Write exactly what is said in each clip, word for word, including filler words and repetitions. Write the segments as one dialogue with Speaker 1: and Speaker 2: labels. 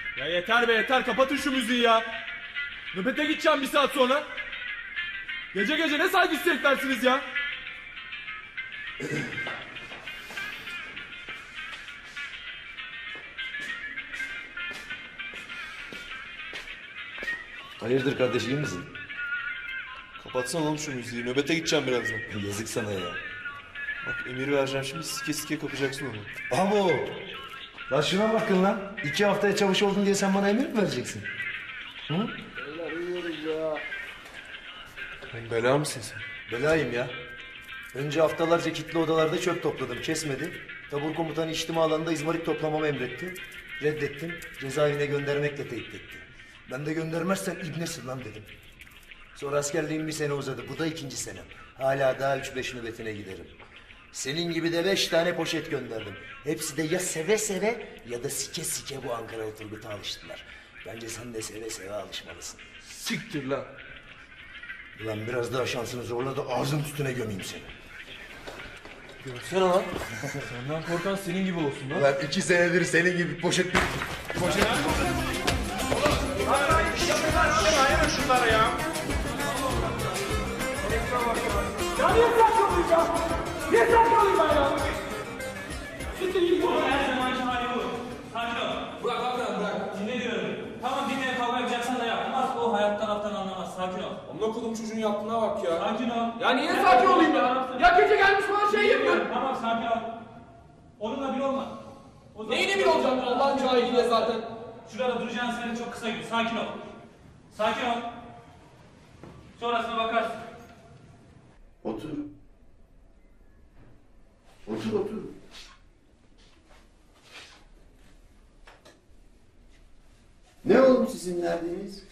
Speaker 1: Ya yeter be yeter, kapatın şu müziği ya. Nöbete gideceğim bir saat sonra. Gece gece ne saygısız heriflersiniz ya.
Speaker 2: Hayırdır kardeş, iyi misin?
Speaker 3: Kapatsana oğlum şu müziği. Nöbete gideceğim birazdan.
Speaker 2: Yazık sana ya.
Speaker 3: Bak emir vereceğim şimdi, sike sike kapacaksın onu.
Speaker 2: Abo! Lan şuna bakın lan. İki haftaya çavuş oldun diye sen bana emir mi vereceksin? Hı?
Speaker 3: Lan bela mısın sen?
Speaker 2: Belayım ya. Önce haftalarca kilitli odalarda çöp topladım, kesmedi. Tabur komutanı içtima alanında izmarit toplamamı emretti. Reddettim, cezaevine göndermekle tehdit etti. Ben de göndermezsen ibnesin lan dedim. Sonra askerliğim bir sene uzadı, bu da ikinci senem. Hala daha üç beş nöbetine giderim. Senin gibi de beş tane poşet gönderdim. Hepsi de ya seve seve ya da sike sike bu Ankaralı Turgut'a alıştılar. Bence sen de seve seve alışmalısın.
Speaker 3: Siktir lan.
Speaker 2: Ulan biraz daha şansını zorla da ağzın üstüne gömeyim seni.
Speaker 3: Görsene lan. Senden korkan senin gibi olsun lan.
Speaker 2: Ulan iki senedir senin gibi poşet... Poşet...
Speaker 1: Şunlara ya.
Speaker 4: Ya niye saçmalıyım ya? Niye saçmalıyım ben ya? Siktir git bu.
Speaker 5: Her zamanki hali bu. Sakin ol. Bırak abi bırak. Dinle diyorum. Tamam dinle, kavga yapacaksan da yapmaz. O hayattan alttan anlamaz. Sakin ol.
Speaker 1: Amına kodum çocuğun yaptığına bak ya.
Speaker 5: Sakin ol.
Speaker 4: Ya niye sakin olayım ya? Ya gece gelmiş bana şey yapıyor.
Speaker 5: Tamam sakin ol. Onunla bir olma. O zaman-
Speaker 4: Neyine bir olacağım Allah'ın cahiliyle zaten.
Speaker 5: Şurada duracağın sene çok kısa gün. Sakin ol. Sakin ol. Sonrasına bakarsın.
Speaker 6: Otur. Otur otur. Ne oğlum sizin derdiniz?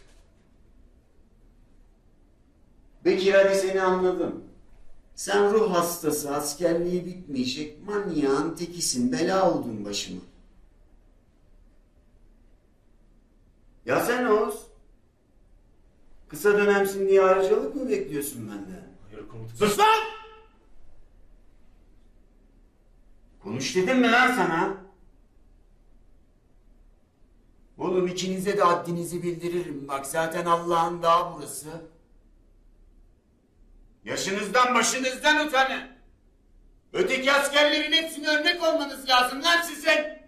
Speaker 6: Bekir, hadi seni anladım. Sen ruh hastası, askerliği bitmeyecek manyağın tekisin, bela oldun başıma. Ya sen Oğuz? Kısa dönemsin diye ayrıcalık mı bekliyorsun benden? Sus lan! Konuş dedim mi lan sana? Oğlum ikinize de haddinizi bildiririm. Bak zaten Allah'ın dağı burası. Yaşınızdan başınızdan utanın. Öteki askerlerin hepsine örnek olmanız lazım lan sizin.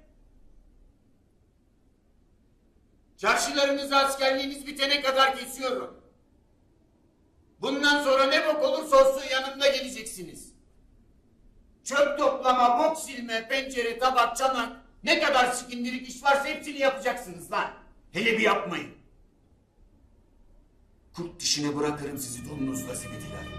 Speaker 6: Çarşılarınızı askerliğiniz bitene kadar kesiyorum. Bundan sonra ne bok olursa olsun yanımda geleceksiniz. Çöp toplama, bok silme, pencere, tabak, çanak, ne kadar sikindirik iş varsa hepsini yapacaksınız lan. Hele bir yapmayın. Kurt dişine bırakırım sizi donunuzla zibitiler.